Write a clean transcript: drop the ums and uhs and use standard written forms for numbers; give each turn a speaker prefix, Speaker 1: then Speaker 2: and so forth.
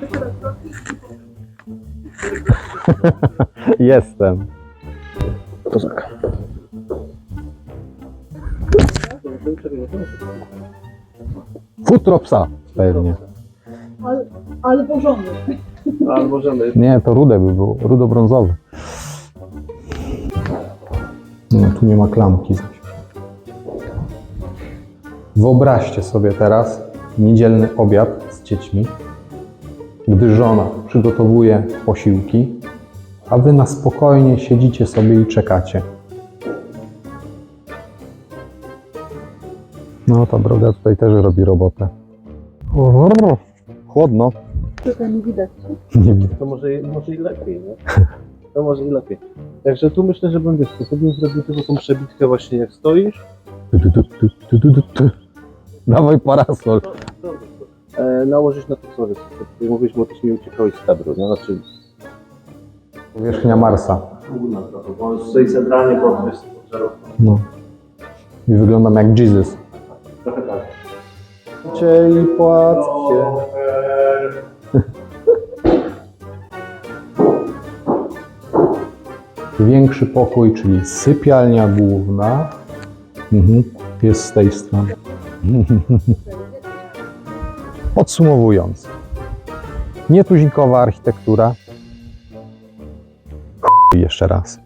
Speaker 1: Jestem.
Speaker 2: Kozak.
Speaker 1: Futro psa pewnie.
Speaker 3: Ale porządny.
Speaker 2: Ale możemy.
Speaker 1: Nie, to rude by było, rudo-brązowy. No, tu nie ma klamki. Wyobraźcie sobie teraz niedzielny obiad z dziećmi, gdy żona przygotowuje posiłki, a wy na spokojnie siedzicie sobie i czekacie. No, ta droga tutaj też robi robotę. Chłodno.
Speaker 3: Tutaj nie widać.
Speaker 1: Nie widzę.
Speaker 2: To może i lepiej, nie? To może i lepiej. Także tu myślę, że bym, wiesz, to bym zrobił tylko tą przebitkę właśnie jak stoisz.
Speaker 1: Dawaj parasol.
Speaker 2: Nałożyć na to, co wiesz, jak mówiliśmy, bo też mi uciekałeś z kadru, nie? Znaczy...
Speaker 1: Powierzchnia Marsa.
Speaker 2: Górna trochę, bo stoi centralnie pod żarówką.
Speaker 1: No. I wyglądam jak Jesus.
Speaker 2: Trochę tak.
Speaker 1: I płaccie. Większy pokój, czyli sypialnia główna, jest z tej strony. Podsumowując, nietuzinkowa architektura. Jeszcze raz.